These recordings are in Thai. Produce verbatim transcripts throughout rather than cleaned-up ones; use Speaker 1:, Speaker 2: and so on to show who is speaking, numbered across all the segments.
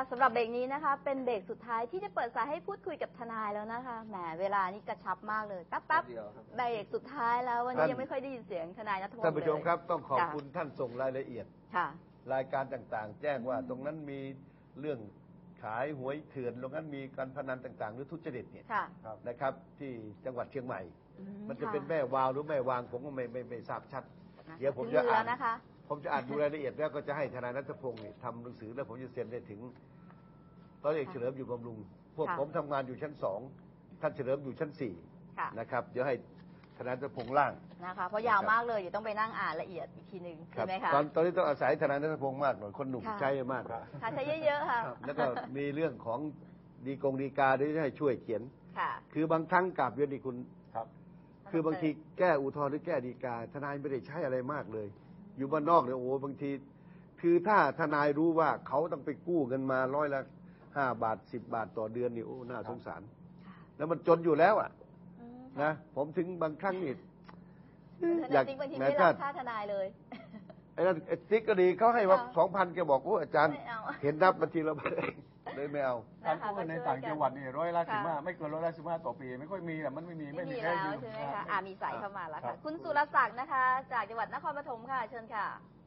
Speaker 1: สำหรับเบรกนี้นะคะเป็นเบรกสุดท้ายที่จะเปิดสายให้พูดคุยกับทนายแล้วนะคะแหมเวลานี่กระชับมากเลยแป๊บๆเบรกสุดท้ายแล้ววันนี้ยังไม่ค่อยได้ยินเสียงทนายณัฐพงศ์เลย
Speaker 2: ท่านผู้ชมครับต้องขอบคุณท่านส่งรายละเอียดรายการต่างๆแจ้งว่าตรงนั้นมีเรื่องขายหวยเถื่อนตรงนั้นมีการพนันต่างๆหรือทุจริตเนี่ยนะครับที่จังหวัดเชียงใหม่มันจะเป็นแม่วาวหรือแม่วางผมก็ไม่ไม่ไม่ทราบชัดเดี๋ยวผมจะอ่านผมจะอ่านดูรายละเอียดแล้วก็จะให้ทนายณัฐพงศ์ทำหนังสือแล้วผมจะเซ็นได้ถึงร้อยเอกเฉลิมอยู่บำรุงพวกผมทำงานอยู่ชั้นสองท่านเฉลิมอยู่ชั้นสี่นะครับเดี๋ยวให้ทนายณัฐพงศ์ล่าง
Speaker 1: นะคะเพราะยาวมากเลยเดี๋ยวต้องไปนั่งอ่านละเอียดอีกทีหนึ่งใช่ไหมคะ
Speaker 2: ตอนตอนนี้ต้องอาศัยทนายณัฐพงศ์มากหน่อยคนหนุ่มใช้มาก
Speaker 1: ค่ะใช้เยอะๆค่ะ
Speaker 2: แล้วก็มีเรื่องของดีกงดีกาด้วยให้ช่วยเขียนคือบางครั้งกราบเรียนดีคุณคือบางทีแก้อุทธรณ์หรือแก้ดีกาทนายไม่ได้ใช้อะไรมากเลยอยู่บ้านนอกเนี่ยโอ้บางทีคือถ้าทนายรู้ว่าเขาต้องไปกู้เงินมาร้อยละห้าบาทสิบบาทต่อเดือนนี่โอ้น่าสงสารแล้วมันจนอยู่แล้วอ่ะนะผมถึงบางครั้งนี่
Speaker 1: อยากบางทีไม่รับค่าทนายเลย
Speaker 2: ไอ้นั่นติ๊กก็ดีเขาให้ว่าสองพันแกบอกโอ้อาจารย์เห็นนับบัญชีเราเลยไม่เอา
Speaker 3: การกู้เงินในต่างจังหวัดนี่ร้อยละสิบห้าไม่เกินร้อยละสิบห้าต่อปีไม่ค่อยมีอ่ะมันไม่มี
Speaker 1: ไม่มีแล้วใช่ไหมคะอ่ามีสายเข้ามาแล้วค่ะคุณสุรศักดิ์นะคะจากจังหวัดนครปฐมค่ะเชิญค่ะ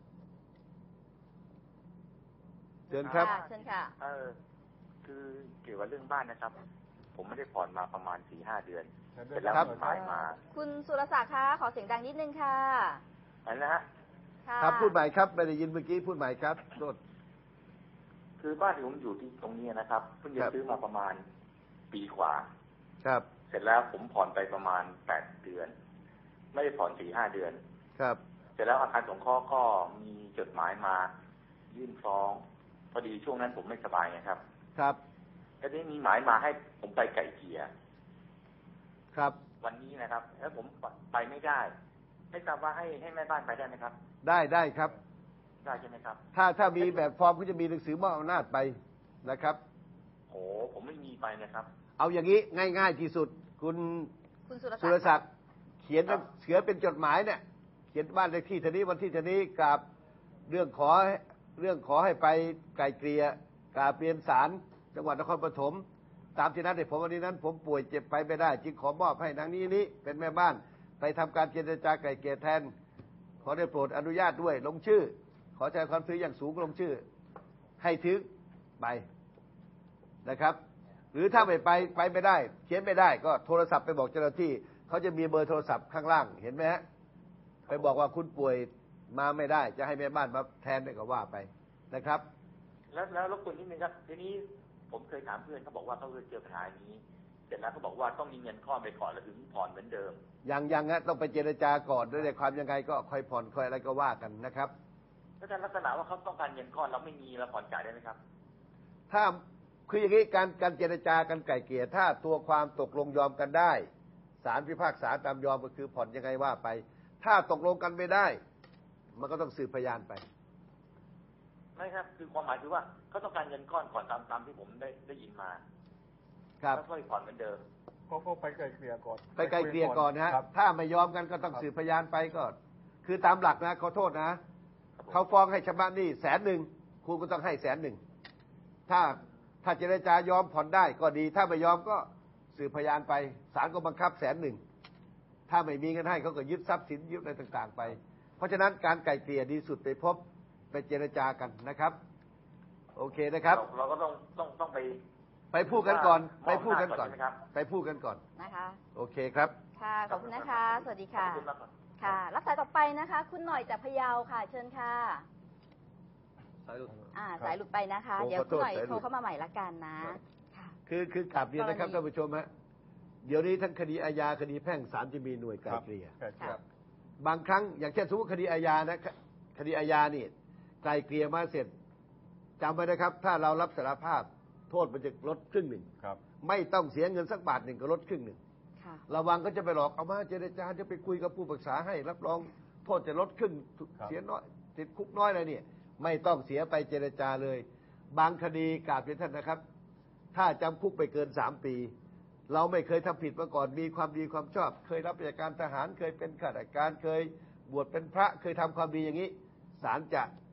Speaker 2: เชิญครับ
Speaker 1: เชิญค่ะ
Speaker 4: เออคือเกี่ยวกับเรื่องบ้านนะครับผมไม่ได้ผ่อนมาประมาณสี่ห้าเดือนเสร็จแล้วหมายมา
Speaker 1: คุณสุรศักดิ์คะขอเสียงดังนิดนึงค่ะ
Speaker 4: อันนะฮะ
Speaker 2: ครับพูดใหม่ครับไม่ได้ยินเมื่อกี้พูดใหม่ครับโทษ
Speaker 4: คือบ้านที่ผมอยู่ที่ตรงนี้นะครับเพิ่งจะซื้อมาประมาณปีกว่า
Speaker 2: ครับ
Speaker 4: เสร็จแล้วผมผ่อนไปประมาณแปดเดือนไม่ได้ผ่อนสี่ห้าเดือน
Speaker 2: ครับ
Speaker 4: เสร็จแล้วอาคารสงเคราะห์ก็มีจดหมายมายื่นฟ้องพอดีช่วงนั้นผมไม่สบายไงครับ
Speaker 2: ครับ
Speaker 4: แล้วนี้มีหมายมาให้ผมไปไก่เกลี่ย
Speaker 2: ครับ
Speaker 4: วันนี้นะครับแล้วผมไปไม่ได้ไม่ทราบว่าให้ให้แม่บ้านไปได้ไหมครับ
Speaker 2: ได้ได้ครับ
Speaker 4: ได้ใช่ไหมครับ
Speaker 2: ถ้าถ้ามีแบบฟอร์มก็จะมีหนังสือมอบอำนาจไปนะครับ
Speaker 4: โอ้ผมไม่มีไปนะครับ
Speaker 2: เอาอย่างนี้ง่ายๆที่สุดคุณ
Speaker 1: คุณ
Speaker 2: สุรศักดิ์เขียนเสือเป็นจดหมายเนี่ยเขียนบ้านเลขที่เท่านี้วันที่เท่านี้กับเรื่องขอเรื่องขอให้ไปไกลเกลี่ยกราบเรียนศาลจังหวัดนครปฐมตามที่นัดให้ผมวันนี้นั้นผมป่วยเจ็บไปไม่ได้จึงขอมอบให้นางนี้นี้เป็นแม่บ้านไปทำการเจรจาไกลเกลี่ยแทนขอได้โปรดอนุญาตด้วยลงชื่อขอแสดงความซื้ออย่างสูงลงชื่อให้ถึงไปนะครับหรือถ้าไม่ไปไปไม่ได้เขียนไม่ได้ก็โทรศัพท์ไปบอกเจ้าหน้าที่เขาจะมีเบอร์โทรศัพท์ข้างล่างเห็นไหมฮะไปบอกว่าคุณป่วยมาไม่ได้จะให้แม่บ้านมาแทนได้ก็ว่าไปนะครับ
Speaker 4: แล้วแล้วรบกวนนิดนึงครับทีนี้ผมเคยถามเพื่อนเขาบอกว่าเขาเคยเจอปัญหานี้เสร็จแล้วเขาบอกว่าต้องมีเงินก้อนไปก่อนแล้วถึงผ่อนเหมือนเดิม
Speaker 2: ยังยังฮะต้องไปเจรจาก่อนด้วยความยังไงก็ค่อยผ่อนค่อยอะไรก็ว่ากันนะครับ
Speaker 4: ถ้าลักษณะว่าเขาต้องการเงินก้อนเราไม่มีเราผ่อนจ่ายได้ไหมครับ
Speaker 2: ถ้าคืออย่างนี้การการเจรจากันไกล่เกลี่ยถ้าตัวความตกลงยอมกันได้ศาลพิพากษาตามยอมก็คือผ่อนยังไงว่าไปถ้าตกลงกันไม่ได้มันก็ต้องสืบพยานไป
Speaker 4: ไม่ครับคือความหมายคือว่าเขาต้องการเงินก้อนก่อนตามตามที่ผมได้ได้ยินมา
Speaker 2: ครับ
Speaker 4: แล้วค่อยผ่อนเหมือนเดิม
Speaker 3: ก็ก็ไปไกลเกลี่ยก่อน
Speaker 2: ไปไกลเกลี่ยก่อนนะฮะถ้าไม่ยอมกันก็ต้องสืบพยานไปก็คือตามหลักนะขอโทษนะเขาฟ้องให้ชำระหนี้แสนหนึ่งคุณก็ต้องให้แสนหนึ่งถ้าถ้าเจรจายอมผ่อนได้ก็ดีถ้าไม่ยอมก็สืบพยานไปศาลก็บังคับแสนหนึ่งถ้าไม่มีเงินให้เขาก็ยึดทรัพย์สินยึดอะไรต่างๆไปเพราะฉะนั้นการไกล่เกลี่ยดีสุดไปพบไปเจรจากันนะครับโอเคนะครับ
Speaker 4: เราก็ต้องต้องต้องไป
Speaker 2: ไปพูดกันก่อนไปพูดกันก่อนไปพูดกันก่อน
Speaker 1: นะคะ
Speaker 2: โอเคครับ
Speaker 1: ค่ะขอบคุณนะคะสวัสดีค่ะค่ะรับสายต่อไปนะคะคุณหน่อยจากพะเยาค่ะเชิญค่ะ
Speaker 2: สายหลุด
Speaker 1: อ่าสายหลุดไปนะคะเดี๋ยวคุณหน่อยโทรเข้ามาใหม่ละกันนะค่ะ
Speaker 2: คือคือกลับเรียนนะครับท่านผู้ชมฮะเดี๋ยวนี้ทั้งคดีอาญาคดีแพ่งศาลจะมีหน่วยไกล่เกลี่ยบางครั้งอย่างเช่นสมมติคดีอาญานะคดีอาญานี่ไกล่เกลี่ยมาเสร็จจำไว้นะครับถ้าเรารับสารภาพโทษมันจะลดครึ่งหนึ่งไม่ต้องเสียเงินสักบาทหนึ่งก็ลดครึ่งหนึ่งระวังก็จะไปหลอกเอามาเจรจาจะไปคุยกับผู้ปรึกษาให้รับรองโทษจะลดครึ่งเสียน้อยติดคุกน้อยอะไรเนี่ยไม่ต้องเสียไปเจรจาเลยบางคดีกราบเรียนท่านนะครับถ้าจำคุกไปเกินสามปีเราไม่เคยทำผิดมาก่อนมีความดีความชอบเคยรับราชการทหารเคยเป็นข้าราชการเคยบวชเป็นพระเคยทำความดีอย่างนี้ศาลจะ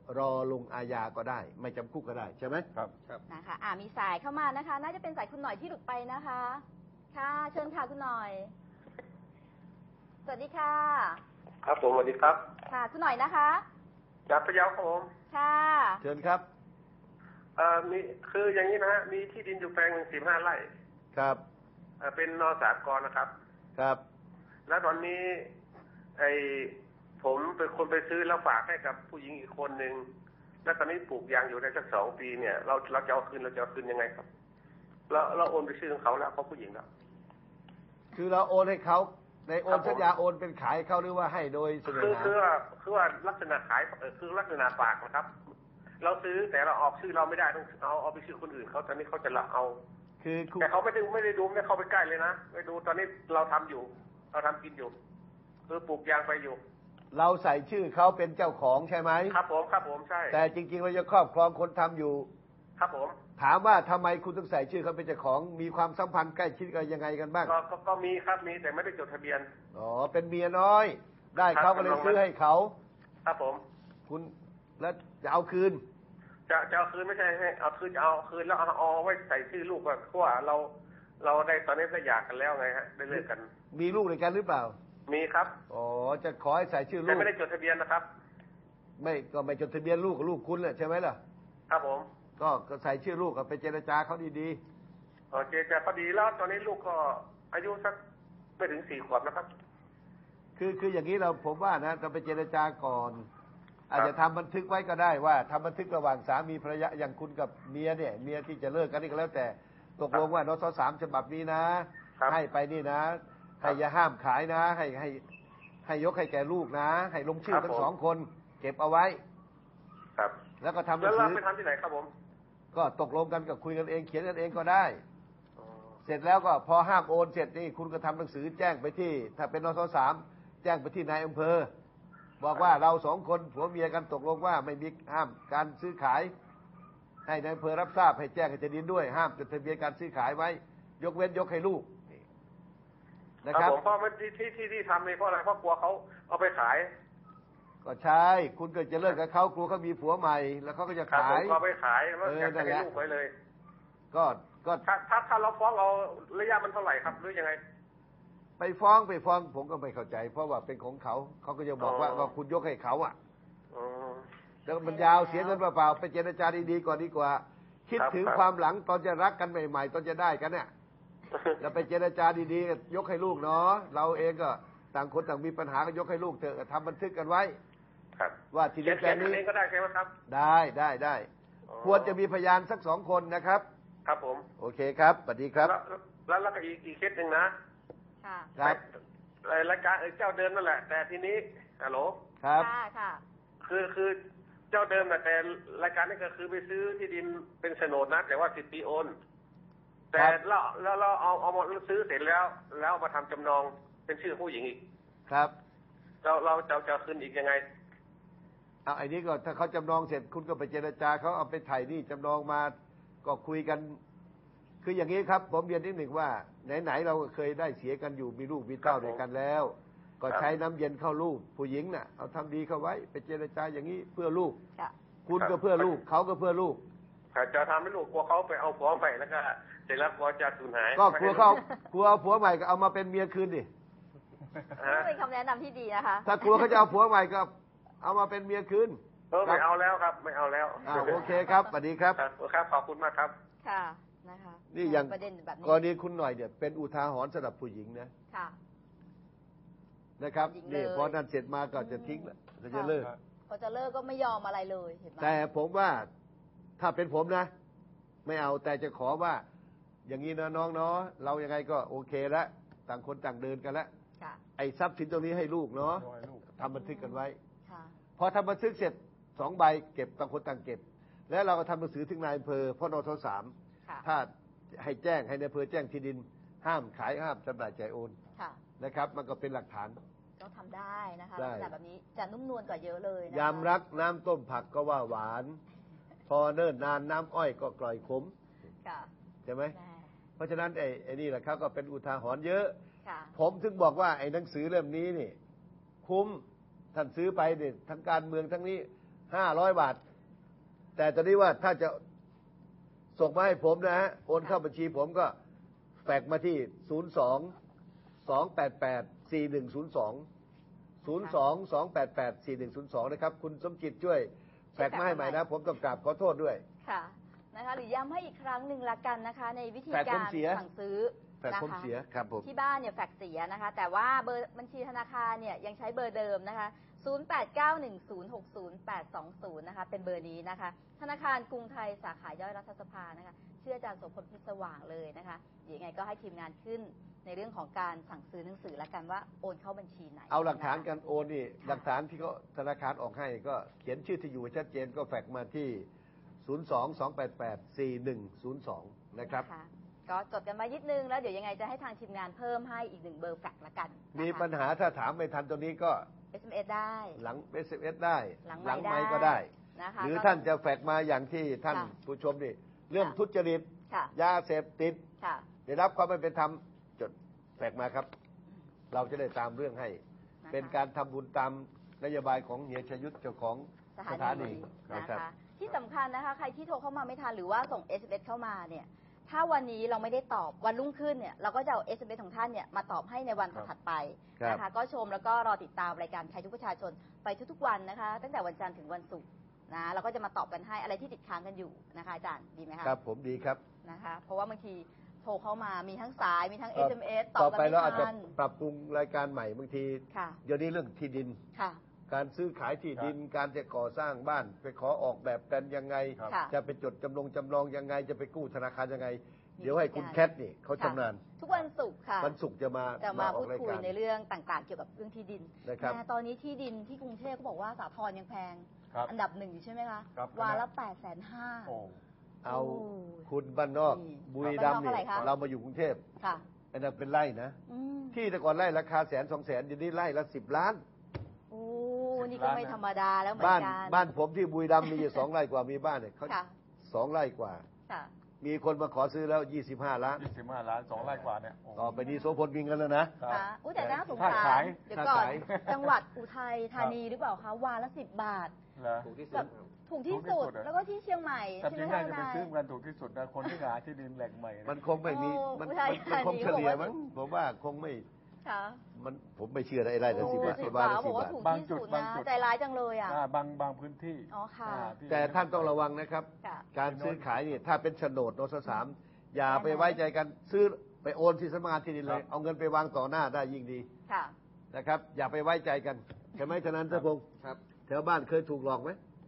Speaker 2: รอลงอาญาก็ได้ ไม่จำคุกก็ได้ใช่ไหม
Speaker 3: ครับ
Speaker 2: ครับ
Speaker 1: นะคะอ่ามีสายเข้ามานะคะ น่าจะเป็นสายคุณหน่อยที่หลุดไปนะคะ ค่ะ เชิญค่ะคุณหน่อย สวัสดีค่ะ
Speaker 5: ครับผมสวัสดีครับ
Speaker 1: ค่ะ คุณหน่อยนะคะ
Speaker 5: จากพะเยาครับผม
Speaker 1: ค่ะ
Speaker 2: เชิญครับ
Speaker 5: เอ่อมีคืออย่างนี้นะฮะมีที่ดินอยู่แปลงหนึ่งสิบห้าไร่
Speaker 2: ครับ
Speaker 5: เอ่อเป็นนอสากรนะครับ
Speaker 2: ครับ
Speaker 5: แล้วตอนนี้ไอผมเป็นคนไปซื้อแล้วฝากให้กับผู้หญิงอีกคนหนึ่งแล้วตอนนี้ปลูกยางอยู่ได้สักสองปีเนี่ยเราเราจะเอาคืนเราจะเอาคืนยังไงครับเราเราโอนไปชื่อของเขาแล้วเขาผู้หญิงแล้ว
Speaker 2: คือเราโอนให้เขาในโอ
Speaker 5: ครั
Speaker 2: น
Speaker 5: บผม
Speaker 2: สัญญาโอนเป็นขายเขาหรือว่าให้โดยเสนอ
Speaker 5: คือ
Speaker 2: หา
Speaker 5: คือว่าคือว่าลักษณะขายเอ่อคือลักษณะฝากนะครับ เราซื้อแต่เราออกชื่อเราไม่ได้ต้องเอาเอาไปชื่อคนอื่นเขาตอนนี้เขาจะละเอา
Speaker 2: คือคุณ
Speaker 5: แต่เขาไม่ได้ไม่ได้ดูไม่ได้เข้าไปใกล้เลยนะไม่ดูตอนนี้เราทำอยู่ เราทำกินอยู่คือปลูกยางไปอยู่
Speaker 2: เราใส่ชื่อเขาเป็นเจ้าของใช่ไหม
Speaker 5: ครับผมครับผมใช่
Speaker 2: แต่จริงๆเราจะครอบครองคนทำอยู่
Speaker 5: ครับผม
Speaker 2: ถามว่าทำไมคุณต้องใส่ชื่อเขาเป็นเจ้าของมีความสัมพันธ์ใกล้ชิดกันยังไงกันบ้าง
Speaker 5: ก็ก็ก็มีครับมีแต่ไม่ได้จดทะเบียน
Speaker 2: อ๋อเป็นเมียน้อย ได้
Speaker 5: ครับ
Speaker 2: เขาก็เลยซื้อให้เขา
Speaker 5: ครับผม
Speaker 2: คุณแล้วจะเอาคืน
Speaker 5: จะจะเอาคืนไม่ใช่ให้เอาคืนจะเอาคืนแล้วเอาเอาไว้ใส่ชื่อลูกว่าเพราะว่าเราเราได้ตอนนี้ได้หย่ากันแล้วไงฮะได้เลิกกัน
Speaker 2: มีลูกด้วยกันหรือเปล่า
Speaker 5: มีครับ
Speaker 2: อ๋อจะขอให้ใส่ชื่อลู
Speaker 5: แต่
Speaker 2: ก
Speaker 5: ไม่ได้จดทะเบียนนะครับ
Speaker 2: ไม่ก็ไม่จดทะเบียนลูกกับลูกคุณแหละใช่ไหมล่ะ
Speaker 5: ครับผม
Speaker 2: ก็ก็ใส่ชื่อลูกกับไปเจรจาเขาดี
Speaker 5: โอเคแต่พอดีแล้วตอนนี้ลูกก็อายุสักไม่ถึงสี่ขวบนะครับ
Speaker 2: ๆคือคืออย่างนี้เราผมว่านะเราไปเจรจาก่อน อาจจะทำบันทึกไว้ก็ได้ว่าทำบันทึกระหว่างสามีภรรยาอย่างคุณกับเมียเนี่ยเมียที่จะเลิกกันนี่ก็แล้วแต่ตกลงว่านสสามฉบับนี้นะ
Speaker 5: ครับ
Speaker 2: ให้ไปนี่นะ ให้อย่าห้ามขายนะ ให้ให้ให้ยกให้แก่ลูกนะ ให้ลงชื่อทั้งสองคน เก็บเอาไว้
Speaker 5: ครับ
Speaker 2: แล้วก็ทำหนั
Speaker 5: แล้ว
Speaker 2: ง
Speaker 5: เรา
Speaker 2: สือ
Speaker 5: ไปทำที่ไหนครับผม
Speaker 2: ก็ตกลงกันกับคุยกันเองเขียนกันเองก็ได้
Speaker 5: อ๋อ
Speaker 2: เสร็จแล้วก็พอห้ามโอนเสร็จนี่คุณก็ทำหนังสือแจ้งไปที่ ถ้าเป็นนสสามแจ้งไปที่นายอำเภอ บอกว่าเราสองคนผัวเมียกันตกลงว่าไม่มีห้ามการซื้อขาย ให้นายอำเภอรับทราบให้แจ้งให้เจดินด้วย ห้ามจดทะเบียนการซื้อขายไว้ ยกเว้นยกให้ลูกนะ
Speaker 5: ค
Speaker 2: ค
Speaker 5: รั
Speaker 2: รั
Speaker 5: บบ ผมเพราะมันที่ที่ที่ที่ทำนี่เพราะอะไรเพราะกลัวเขาเอาไปขาย
Speaker 2: ก็ใช่ คุณเกิดจะเลิกกับเขากลัวเขามีผัวใหม่ แล้วเขาก็จะ
Speaker 5: ครับผ
Speaker 2: ขาม ย
Speaker 5: ก็เอาไปขายแล้ว
Speaker 2: เออ
Speaker 5: อยาก
Speaker 2: นั่
Speaker 5: จะ
Speaker 2: น
Speaker 5: ให้
Speaker 2: แหละ
Speaker 5: ลูกไว้เลย
Speaker 2: ก็ก็
Speaker 5: ถ้าถ้าถ้าเราฟ้องเราระยะมันเท่าไหร่ครับหรือยังไง
Speaker 2: ไปฟ้องไปฟ้องผมก็ไม่เข้าใจ เพราะว่าเป็นของเขาเขาก็จะบอกว่า
Speaker 5: อ๋อ
Speaker 2: ว่าคุณยกให้เขาอ่ะ
Speaker 5: อ๋อ
Speaker 2: แล้วมันยาวเสียเงินเปล่าๆไปเจรจาดีๆก่อนดีกว่า คิด
Speaker 5: ครับ
Speaker 2: ถึง
Speaker 5: ครับ
Speaker 2: ความหลังตอนจะรักกันใหม่ๆ ตอนจะได้กันเนี่ยแล้วไปเจรจาดีๆยกให้ลูกเนาะเราเองก็ต่างคนต่างมีปัญหาก็ยกให้ลูกเถอะทำบันทึกกันไว้
Speaker 5: ครับ
Speaker 2: ว่าที่
Speaker 5: เขีย
Speaker 2: ดิ
Speaker 5: น
Speaker 2: นแป
Speaker 5: เขี
Speaker 2: ล
Speaker 5: ยน
Speaker 2: งนี้
Speaker 5: เองก็ได้ใช่ไหมครับ
Speaker 2: ได้ได้ได้
Speaker 5: อ๋อ
Speaker 2: ควรจะมีพยานสักสองคนนะครับ
Speaker 5: ครับผม
Speaker 2: โอเคครับสวัสดีครับ
Speaker 5: แล้วแล้วแล้วก็อีกอีกเคสหนึ่งนะ
Speaker 1: ค่ะ
Speaker 2: ครับ
Speaker 5: ไอ้รายการเออเจ้าเดิมนั่นแหละ แต่ทีนี้ฮัลโหล
Speaker 2: ครับ
Speaker 1: ค่ะ ค่ะ
Speaker 5: คือคือเจ้าเดิมน่ะแต่รายการนี้ก็คือไปซื้อที่ดินเป็นโฉนดนะ แต่ว่าสิบปีโอน แต่เราแล้วเราเอาเอามาซื้อเสร็จแล้ว แล้วเอามาทำจำนองเป็นชื่อผู้หญิงอีก
Speaker 2: ครับ
Speaker 5: เราเราจะจะคืนอีกยังไง
Speaker 2: เอาไอ้นี้ก็ถ้าเขาจำนองเสร็จคุณก็ไปเจรจาเขาเอาไปถ่ายหนี่จำนองมาก็คุยกัน คืออย่างนี้ครับ ผมเรียนนิดหนึ่งว่าไหนๆเราเคยได้เสียกันอยู่มีลูกมีเต้า
Speaker 5: ครับผม
Speaker 2: ด้วยกันแล้ว ก็ใช้น้ำเย็นเข้าลูกผู้หญิงน่ะเอาทำดีเข้าไว้ไปเจรจาอย่างนี้เพื่อลูก
Speaker 1: ค่ะ
Speaker 2: คุณก็เพื่อลูกเขาก็เพื่อลูก
Speaker 5: จะทำให้ลูกกลัวเขาไปเอาผัวใหม่แล้วก็เสร็จแล้วกลัวจะสูญหาย
Speaker 2: ก็กลัวเขากลัวเอาผัวใหม่ก็เอามาเป็นเมียคืนดิ
Speaker 5: ฮะ
Speaker 1: เป็นคำแนะนำที่ดีนะคะ
Speaker 2: ถ้ากลัวเขาจะเอาผัวใหม่ก็เอามาเป็นเมียคืน
Speaker 5: เออไม่เอาแล้วครับ ไม่เอาแล้ว
Speaker 2: อ่าโอเคครับสวัสดีครับ
Speaker 5: ครับครับขอบคุณมากครับ
Speaker 1: ค่ะ นะคะ
Speaker 2: นี่อย่าง
Speaker 1: ประเด็นแบบนี้
Speaker 2: กรณีคุณหน่อยเนี่ยเป็นอุทาหรณ์สำหรับผู้หญิงนะ
Speaker 1: ค่ะ
Speaker 2: นะครับ
Speaker 1: หญิง
Speaker 2: นี่
Speaker 1: เลย
Speaker 2: พอนั่นเสร็จมาก็จะทิ้งแล้วก็จะเลิก
Speaker 1: พอจะเลิกก็ไม่ยอมอะไรเลยเห็นไหม
Speaker 2: แต่ผมว่าถ้าเป็นผมนะ ไม่เอาแต่จะขอว่า อย่างนี้นะน้องเนาะเรายังไงก็โอเคแล้วต่างคนต่างเดินกันแล้ว
Speaker 1: ค่ะ
Speaker 2: ไอ้ทรัพย์สินตรงนี้ให้ลูกเนาะ
Speaker 3: โดยลูก
Speaker 2: ทำบันทึกกันไว้
Speaker 1: ค่ะ
Speaker 2: พอทำบันทึกเสร็จสองใบเก็บต่างคนต่างเก็บ แล้วเราก็ทำหนังสือถึงนายอำเภอพ่อนทสาม
Speaker 1: ค่ะ
Speaker 2: ถ้าให้แจ้งให้นายอำเภอแจ้งที่ดิน ห้ามขายห้ามจำหน่ายจ่ายโอน
Speaker 1: ค่ะ
Speaker 2: นะครับ มันก็เป็นหลักฐาน
Speaker 1: ก็ทำได้นะคะ
Speaker 2: ได้
Speaker 1: ลักษณะแบบนี้จะนุ่มนวลกว่าเยอะเลยนะคะ
Speaker 2: ยามรักน้ำต้มผักก็ว่าหวาน พอเนิ่นนานน้ำอ้อยก็กร่อยขม
Speaker 1: ค่ะ
Speaker 2: ใช่ไหม
Speaker 1: แม่
Speaker 2: เพราะฉะนั้นไอ้ไอ้นี่แหละครับก็เป็นอุทาหรณ์เยอะ
Speaker 1: ค่ะ
Speaker 2: ผมถึงบอกว่าไอ้หนังสือเล่มนี้นี่ คุ้มท่านซื้อไปเนี่ยทั้งการเมืองทั้งนี้ห้าร้อยบาท แต่ตอนนี้ว่าถ้าจะส่งมาให้ผมนะฮะโอนเข้าบัญชีผมก็แฟกมาที่ศูนย์สอง สองแปดแปด สี่หนึ่งศูนย์สอง ศูนย์สอง สองแปดแปด สี่หนึ่งศูนย์สองนะครับคุณสมจิตช่วยแฟกมาให้ใหม่นะผมต้องกราบขอโทษด้วย
Speaker 1: ค่ะนะคะหรือย้ำให้อีกครั้งหนึ่งละกันนะคะในวิธี
Speaker 2: แฟกผ
Speaker 1: กาม ร
Speaker 2: เสีย
Speaker 1: สั่งซื้อ
Speaker 2: แฟกผมเสียครับผม
Speaker 1: ที่บ้านเนี่ยแฟกเสียนะคะแต่ว่าเบอร์บัญชีธนาคารเนี่ยยังใช้เบอร์เดิมนะคะศูนย์ แปด เก้า หนึ่ง ศูนย์ หก ศูนย์ แปด สอง ศูนย์นะคะเป็นเบอร์นี้นะคะธนาคารกรุงไทยสาขาย่อยรัฐสภานะคะชื่ออาจารย์โสพลพิศสว่างเลยนะคะเดี๋ยวยังไงก็ให้ทีมงานขึ้นในเรื่องของการสั่งซื้อหนังสือละกันว่าโอนเข้าบัญชีไหน
Speaker 2: เอาหลักฐานการโอนนี่หลักฐานที่เขาธนาคารออกให้ก็เขียนชื่อที่อยู่ชัดเจนก็แฟกมาที่ศูนย์สอง สองแปดแปด สี่หนึ่งศูนย์สองนะครับ
Speaker 1: ก็จดกันมานิดนึงแล้วเดี๋ยวยังไงจะให้ทางทีมงานเพิ่มให้อีกหนึ่งเบอร์แฟกละกัน
Speaker 2: มีปัญหาถ้าถามไม่ทันตัวนี้ก็
Speaker 1: เอส เอ็ม เอส ได้
Speaker 2: หลัง เอส เอ็ม เอส ได้
Speaker 1: หลัง
Speaker 2: ไมค์ก็
Speaker 1: ได้
Speaker 2: ได้หรือท่านจะแฟกมาอย่างที่ท่านผู้ชมนี่เรื่องทุจริตยาเสพติดได้รับความไม่เป็นธรรมจดแฟกมาครับเราจะได้ตามเรื่องให้เป็นการทำบุญตามนโยบายของเฮียชยุทธเจ้าของสถานี
Speaker 1: นะคะที่สำคัญนะคะใครที่โทรเข้ามาไม่ทันหรือว่าส่ง เอส เอ็ม เอส เข้ามาเนี่ยถ้าวันนี้เราไม่ได้ตอบวันรุ่งขึ้นเนี่ยเราก็จะเอา เอส เอ็ม เอส ของท่านเนี่ยมาตอบให้ในวันถัดไปนะคะก็ชมแล้วก็รอติดตามรายการใครทุกประชาชนไปทุกๆวันนะคะตั้งแต่วันจันทร์ถึงวันศุกร์นะเราก็จะมาตอบกันให้อะไรที่ติดค้างกันอยู่นะคะอาจารย์ดีไหมคะ
Speaker 2: ครับผมดีครับ
Speaker 1: นะคะเพราะว่าบางทีโทรเข้ามามีทั้งสายมีทั้ง เอส เอ็ม เอส ตอบ
Speaker 2: กันไม่ทันต่อไปเราอาจจะปรับปรุงรายการใหม่บางทีเดี๋ยวนี้เรื่องที่ดินการซื้อขายที่ดินการจะก่อสร้างบ้านไปขอออกแบบกันยังไงจะไปจดจำลองจำลองยังไงจะไปกู้ธนาคารยังไงเดี๋ยวให้คุณแคทนี่เขาชำนาญ
Speaker 1: ทุกวันศุกร์ค่ะ
Speaker 2: วันศุกร์จะมา
Speaker 1: จะมาพูดคุยในเรื่องต่างๆเกี่ยวกับเรื่องที่ดินแต่ตอนนี้ที่ดินที่กรุงเทพเขาบอกว่าสาทรยังแพงอันดับหนึ่งอยู่ใช่ไหมคะวาละแปดแสนห้า
Speaker 2: เอาคุณบ้านนอกบุรีรัมย์นี่เรามาอยู่กรุงเทพอันนั้นเป็นไร่นะที่แต่ก่อนไร่ราคาแสนสองแสนเดี๋ยวนี้ไร่ละสิบล้าน
Speaker 1: โอ้นี่ก็ไม่ธรรมดาแล้วเหมือน
Speaker 2: กันบ้านบ้านผมที่บุรีรัมย์มีอยู่สองไร่กว่ามีบ้านเนี่ยเขาสองไร่กว่ามีคนมาขอซื้อแล้วยี่สิบห้าล้าน
Speaker 3: ยี่สิบห้าล้านสองไร่กว่าเนี่ย
Speaker 2: ต่อไปนี้โสพลมีเงินแล้วนะ
Speaker 1: ค่ะอุ้ยแต่น่าสงสารเดี๋ยวก่อนจังหวัดอุทัยธานีหรือเปล่าคะวาละสิบบาท
Speaker 3: ถูกที่สุด
Speaker 1: ถูกที่สุดแล้วก็ที่เชียงใหม่
Speaker 3: ใช่ไหมท่านนายจะไปซื้อกันถูกที่สุดนะคนที่หาที่ดินแหล่งใหม่
Speaker 2: มันคงไม่มีมันคงเฉลี่ยมั้งผมว่าคงไม่มันผมไม่เชื่อไอ้ไร่ละสิบบาท
Speaker 1: บาทบอกว่าถูกที่สุดนะใจร้ายจังเลยอ่ะ
Speaker 3: บางบางพื้นที่
Speaker 1: อ๋อค่ะ
Speaker 2: แต่ท่านต้องระวังนะครับการซื้อขายนี่ถ้าเป็นโฉนดโนสสามอย่าไปไว้ใจกันซื้อไปโอนที่สำนักงานที่ดินเลยเอาเงินไปวางต่อหน้าได้ยิ่งดีนะครับอย่าไปไว้ใจกันใช่ไหมฉะนั้นท่านพงศ์แถวบ้านเคยถูกหลอกไหม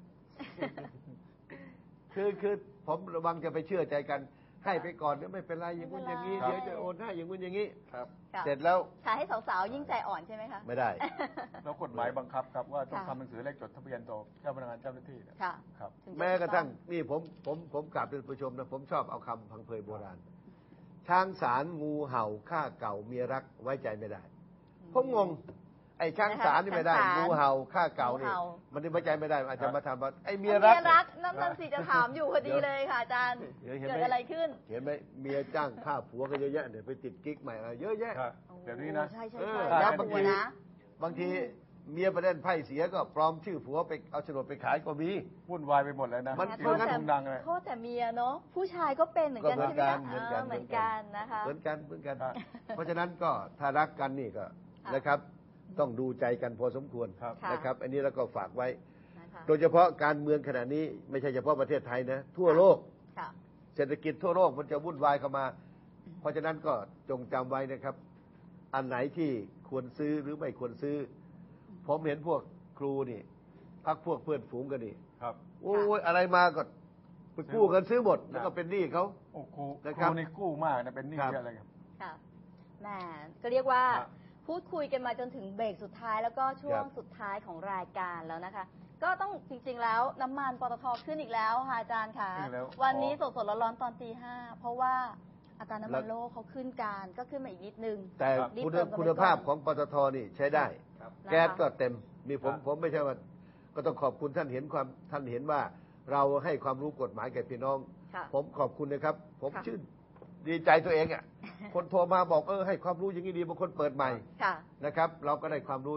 Speaker 2: คือคือผมระวังจะไปเชื่อใจกันให้ไปก่อนไม่เป็นไรอย่างนู้นอย่างนี้เดี๋ยวจะโอนให้อย่างนู้นอย่างนี้
Speaker 3: ครับ
Speaker 2: เสร็จแล้ว
Speaker 1: ขายให้สาวๆยิ่งใจอ่อนใช่ไหมคะ
Speaker 2: ไม่ได้
Speaker 3: แล้วกฎหมายบังคับครับว่าต้องทำหนังสือเลขจดทะเบียนต่อเจ้าพนักงานเจ้าหน้าที่
Speaker 1: ครับ
Speaker 2: แม้กระทั่งนี่ผมผมผมกราบเป็นผู้ชมนะผมชอบเอาคำพังเพยโบราณช้างสารงูเห่าข้าเก่าเมียรักไว้ใจไม่ได้ผมงงไอ้ช้างสารนี่ไม่ได้งูเห่าข้าเก่านี่มันนี่ไว้ใจไม่ได้อาจจะมาทำว่าไอ้เมียรัก
Speaker 1: นั่นนั่นสิจะถามอยู่พอดีเลยค่ะอาจารย์เกิดอะไรขึ้น
Speaker 2: เห็นไหมเมียจ้างฆ่าผัวก็เยอะแยะเดี๋ยวไปติดกิ๊กใหม่อะไรเยอะแยะ
Speaker 3: เดี๋ยวนี้นะ
Speaker 1: ใช่ใช่ใช่
Speaker 2: บางทีบางทีเมียไปเล่นไพ่เสียก็ปลอมชื่อผัวไปเอาโฉนดไปขายก็มี
Speaker 3: วุ่นวายไปหมดเลยนะ
Speaker 2: มัน
Speaker 1: โทษแต่ดังเลยโทษแต่เมียเนาะผู้ชายก็เป็นเหมือนกันใช่ไหมคะ
Speaker 2: เหมือนกัน
Speaker 1: เหมือนกันนะคะ
Speaker 2: เหมือนกันเหมือนกันเพราะฉะนั้นก็ถ้ารักกันนี่ก็นะครับต้องดูใจกันพอสมควรนะครับอันนี้เราก็ฝากไว้โดยเฉพาะการเมืองขณะนี้ไม่ใช่เฉพาะประเทศไทยนะทั่วโลกเศรษฐกิจทั่วโลกมันจะวุ่นวายเข้ามาเพราะฉะนั้นก็จงจำไว้นะครับอันไหนที่ควรซื้อหรือไม่ควรซื้อผมเห็นพวกครูนี่พักพวกเพื่อนฝูงกันนี่โอ้ยอะไรมาก็ไปกู้กันซื้อหมดแล้วก็เป็นหนี้เขา
Speaker 3: โอ้ครูครูนี่กู้มากนะเป็นหนี้เยอะอะไรครับ
Speaker 1: ค่ะแหมก็เรียกว่าพูดคุยกันมาจนถึงเบรกสุดท้ายแล้วก็ช่วงสุดท้ายของรายการแล้วนะคะก็ต้องจริงๆแล้วน้ำมันปตท.ขึ้นอีกแล้วค่ะอาจารย์ค่ะวันนี้สดๆร้อนๆตอนตีห้าเพราะว่าอัตราน้ำมันโลกเขาขึ้นการก็ขึ้นมาอีกนิดนึง
Speaker 2: แต่คุณภาพของปตท.นี่ใช้ได้แก๊สก็เต็มมีผมผมไม่ใช่ว่าก็ต้องขอบคุณท่านเห็นความท่านเห็นว่าเราให้ความรู้กฎหมายแก่พี่น้องผมขอบคุณนะครับผมชื่นดีใจตัวเองอ่ะคนโทรมาบอกเออให้ความรู้อย่างนี้ดีบางคนเปิดใหม่นะครับเราก็ได้ความรู้อยู่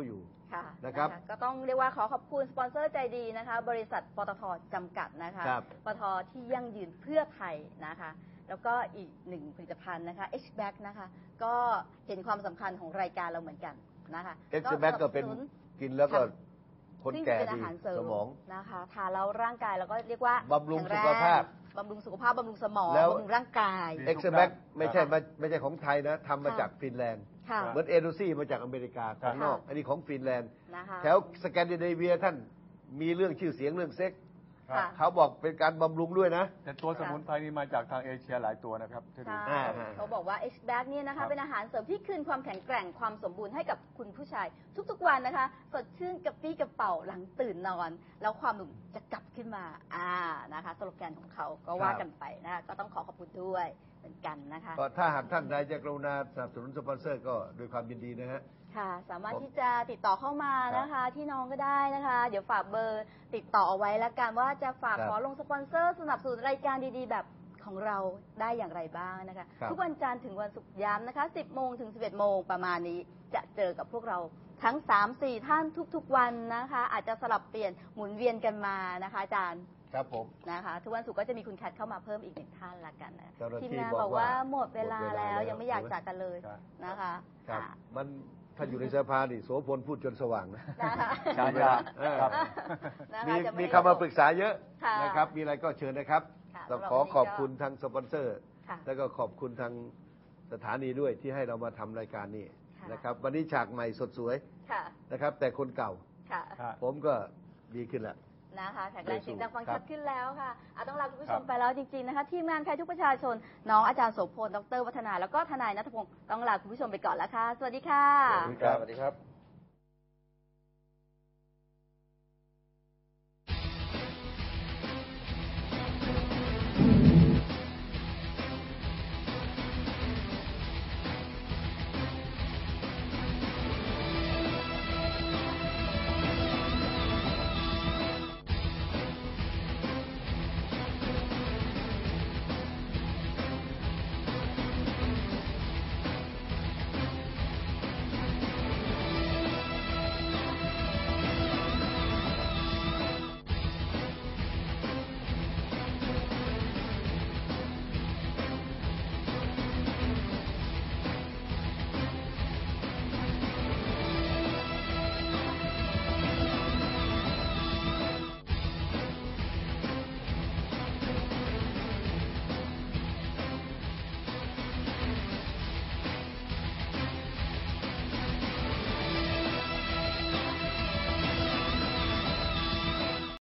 Speaker 1: ค่ะ
Speaker 2: นะครับ
Speaker 1: ก็ต้องเรียกว่าขอขอบคุณสปอนเซอร์ใจดีนะคะ บริษัทปตทจำกัดนะคะ
Speaker 2: ครับ
Speaker 1: ปตทที่ยั่งยืนเพื่อไทยนะคะ แล้วก็อีกหนึ่งผลิตภัณฑ์นะคะ H B A C นะคะ ก็เห็นความสำคัญของรายการเราเหมือนกันนะคะ
Speaker 2: เอ็กซ์แบ็กก็เป็น
Speaker 1: สบสนุ
Speaker 2: กินแล้วก็
Speaker 1: ค่ะ
Speaker 2: คน
Speaker 1: ซึ่ง
Speaker 2: แก่
Speaker 1: เป็นอา
Speaker 2: ดี
Speaker 1: หารเสริ
Speaker 2: ส
Speaker 1: ม
Speaker 2: มอง
Speaker 1: นะคะทานแล้วร่างกายเราก็เรียกว่า
Speaker 2: บำรุง
Speaker 1: แข็
Speaker 2: สุขภาพ
Speaker 1: บำรุงสุขภาพบำรุงสมอง
Speaker 2: แล้ว
Speaker 1: บำรุงร่างกาย
Speaker 2: เอ็กซ์แบ็กไม่ใช่มาไม่ใช่ของไทยนะทำมา
Speaker 1: ค่ะ
Speaker 2: จากฟินแลนด์
Speaker 1: ค่ะ
Speaker 2: เหมือนเอโดซี่มาจากอเมริกาของนอก
Speaker 1: ค่ะ
Speaker 2: อันนี้ของฟินแลนด์
Speaker 1: นะคะ
Speaker 2: แถวสแกนดิเนเวียท่านมีเรื่องชื่อเสียงเรื่องเซ็กส์
Speaker 1: ค่ะ
Speaker 2: เขาบอกเป็นการบำรุงด้วยนะ
Speaker 3: แต่ตัวสมุนไพรนี่มาจากทางเอเชียหลายตัวนะครับที่ดู
Speaker 1: ใช่
Speaker 2: อ่า
Speaker 1: เขาบอกว่า H B A C เนี่ยนะ
Speaker 3: ครั
Speaker 1: คะ
Speaker 3: บ
Speaker 1: เป็นอาหารเสริมที่คืนความแข็งแกร่งความสมบูรณ์ให้กับคุณผู้ชาย ทุกๆวันนะคะ สดชื่นกระปรี้กระเป๋าหลังตื่นนอน แล้วความหนุ่มจะกลับขึ้นมาอ่านะคะสโลแกนของเขาก็ว่ากันไปนะคะก็ต้องขอขอบคุณด้วยเหมือนกันนะคะ
Speaker 2: ก็ถ้าหากท่านใดจะกรุณาสนับสนุนสปอนเซอร์ก็ด้วยความยินดีนะฮะ
Speaker 1: ค่ะ สามารถที่จะติดต่อเข้ามานะคะ ที่น้องก็ได้นะคะ เดี๋ยวฝากเบอร์ติดต่อเอาไว้แล้วกันว่าจะฝาก
Speaker 2: ครับ
Speaker 1: ขอลงสปอนเซอร์สนับสนุนรายการดีๆ แบบของเราได้อย่างไรบ้างนะคะ
Speaker 2: ครับ
Speaker 1: ทุกวันจันทร์ถึงวันศุกร์ย้ำนะคะ สิบโมงถึงสิบเอ็ดโมงประมาณนี้จะเจอกับพวกเราทั้ง สามสี่ ท่านทุกๆวันนะคะ อาจจะสลับเปลี่ยนหมุนเวียนกันมานะคะอาจารย์
Speaker 2: ครับผม
Speaker 1: นะคะทุกวันศุกร์ก็จะมีคุณแคทเข้ามาเพิ่มอีกหนึ่งท่านละกันนะ
Speaker 2: เจ้าหน้าที่
Speaker 1: ทีมงาน
Speaker 2: บบ อ
Speaker 1: อก ก
Speaker 2: ว่า
Speaker 1: ว่าหมดเวลา
Speaker 2: หมดเวลา
Speaker 1: แล้ว
Speaker 2: แล้ว
Speaker 1: ยังไม่อยากจากกันเลย
Speaker 3: ครับ
Speaker 1: นะคะ
Speaker 2: ครับ
Speaker 1: อ่ะ
Speaker 2: มันถ้าอยู่ในสภานี่โสพลพูดจนสว่างนะ
Speaker 1: นะคะ
Speaker 3: ใช่ครับ
Speaker 2: เออ
Speaker 3: ครับ
Speaker 1: นะคะ
Speaker 2: มี
Speaker 1: จะไ
Speaker 2: มีคำมาปรึกษาเยอะ
Speaker 1: ค่ะ
Speaker 2: นะครับ มีอะไรก็เชิญนะครับ
Speaker 1: ค่ะ
Speaker 2: ต้อง
Speaker 1: สำหรับ
Speaker 2: ขอ
Speaker 1: วันนี้
Speaker 2: ขอบ
Speaker 1: ก็
Speaker 2: คุณทางสปอนเซอร์
Speaker 1: ค่ะ
Speaker 2: แล้วก็ขอบคุณทางสถานีด้วยที่ให้เรามาทำรายการนี้
Speaker 1: ค่ะ
Speaker 2: นะครับ วันนี้ฉากใหม่สดสวย
Speaker 1: ค่ะ
Speaker 2: นะครับ แต่คนเก่า
Speaker 1: ค่ะ
Speaker 3: ครับ
Speaker 2: ผมก็ดีขึ้นแล้ว
Speaker 1: นะคะแข็งแรงเสียงดังฟัง
Speaker 2: ครั
Speaker 1: ชั
Speaker 2: บ
Speaker 1: ดขึ้นแล้วค่ะอาต้องลาคุณผู้ช
Speaker 3: ครั
Speaker 1: ม
Speaker 3: บ
Speaker 1: ไปแล้วจริงๆนะคะ ทีมงานใครทุกประชาชน น้องอาจารย์โสพลดรวัฒนา แล้วก็ทนายณัฐพงศ์ต้องลาคุณผู้ชมไปก่อนแล้วค่ะ สวัสดีค่ะ
Speaker 2: สวัสดีครับ